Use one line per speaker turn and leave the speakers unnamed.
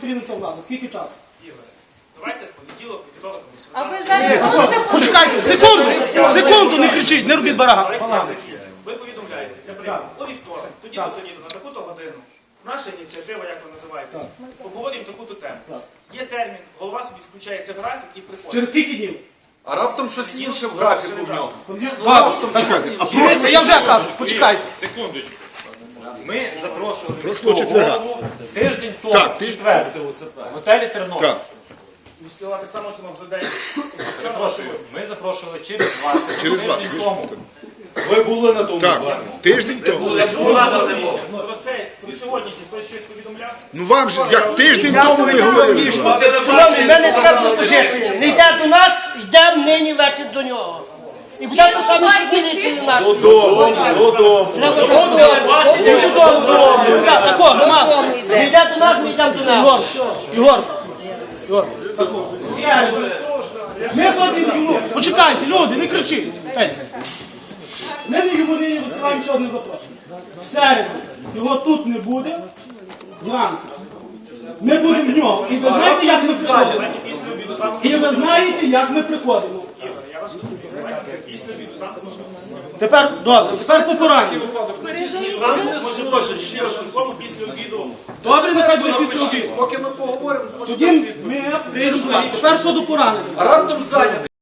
зустрінеться влада? Скільки часу?
Ігор, давайте понеділок, вівторок,
А ви зараз будете
Почекайте, секунду, не кричіть, не робіть барага.
Ви повідомляєте, наприклад, у вівторок, тоді-то на таку-то годину. Наша ініціатива, як ви називаєтесь, обговорюємо таку-то тему. Є термін, голова собі включається в графік і приходить.
Через скільки днів?
А раптом щось інше в графіку в нього.
Дивіться, я вже кажу, почекайте.
Секундочку. Ми запрошували міського голову тиждень тому, в четвер, в готелі Тернопіль.
Міський голова так само отримав за день.
Запрошую. Ми запрошували через 20,
Через
тиждень
20.
тому.
Ви були на тому
Так,
зверненні.
тиждень тому.
Про це, про сьогоднішнє, хтось щось повідомляв?
Ну вам же, як тиждень тому ви говорили.
Шановні, в мене така пропозиція. Не йде до нас, йдемо нині вечір до нього. І буде те саме, що з міліцією нашою.
Додому.
Треба додому. Так, такого, нема. Не йде до нас, ми йдемо до нього. Ігор.
Ми ходимо, почекайте, люди, не кричіть. Ми не йому нині висилаємо ще одне запрошення. В середу його тут не буде, зранку. Ми будемо в нього. І ви знаєте, як ми приходимо? І ви знаєте, як ми приходимо.
Я вас розумію. Давайте після обіду з нами можемо
Тепер, добре, тепер по пораненню.
може бути ще раз телефону після обіду.
Добре, нехай буде після обіду.
Поки ми поговоримо,
Тоді ми прийдемо до вас. Тепер щодо поранення.
а раптом зайнятий.